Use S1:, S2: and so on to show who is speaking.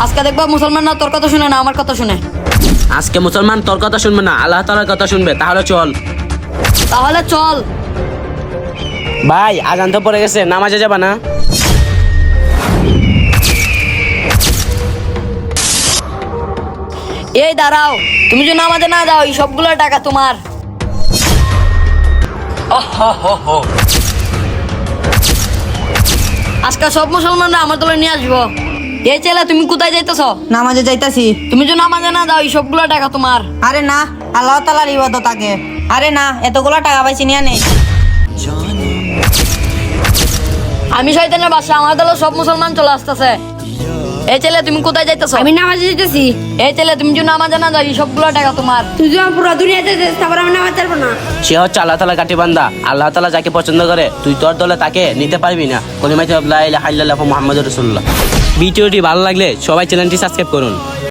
S1: আজকে দেখবা মুসলমান না তোর কথা শুনে না আমার কথা শুনে।
S2: আজকে মুসলমান তোর কথা শুনবে না, আল্লাহ তাআলার কথা শুনবে। তাহলে চল।
S1: তাহলে চল।
S2: ভাই আজান তো পড়ে গেছে, নামাজে যাবা না?
S1: এই দাঁড়াও, তুমি যদি নামাজে না যাও এই সবগুলো টাকা তোমার। আজকে সব মুসলমানরা আমার দলে নিয়ে আসবো। এই ছেলে তুমি কোথায় যাইতেছ?
S3: নামাজে যাইতাছি।
S1: তুমি যদি নামাজে না যাও এই সবগুলো টাকা তোমার।
S3: আরে না, আল্লাহ তাআলার ইবাদত আগে। আরে না, এতগুলো টাকা পাইছি নিয়ে নেই।
S1: আমি শয়তানের বাসা, আমার দলে সব মুসলমান চলে আসতেছে। এই ছেলে তুমি কোথায় যাইতেছ?
S4: আমি নামাজে যেতেছি।
S1: এই ছেলে তুমি যদি নামাজে না যাও এই সবগুলো টাকা তোমার।
S4: তুই যখন পুরো দুনিয়াতে যেতে তারপর আমি নামাজ পারবো না।
S2: সে হচ্ছে আল্লাহ তাআলা কাটি বান্দা। আল্লাহ তাআলা যাকে পছন্দ করে তুই তোর দলে তাকে নিতে পারবি না। কলিমায়ে লা ইলাহা ইল্লাল্লাহু মুহাম্মাদুর রাসূলুল্লাহ। ভিডিওটি ভালো লাগলে সবাই চ্যানেলটি সাবস্ক্রাইব করুন।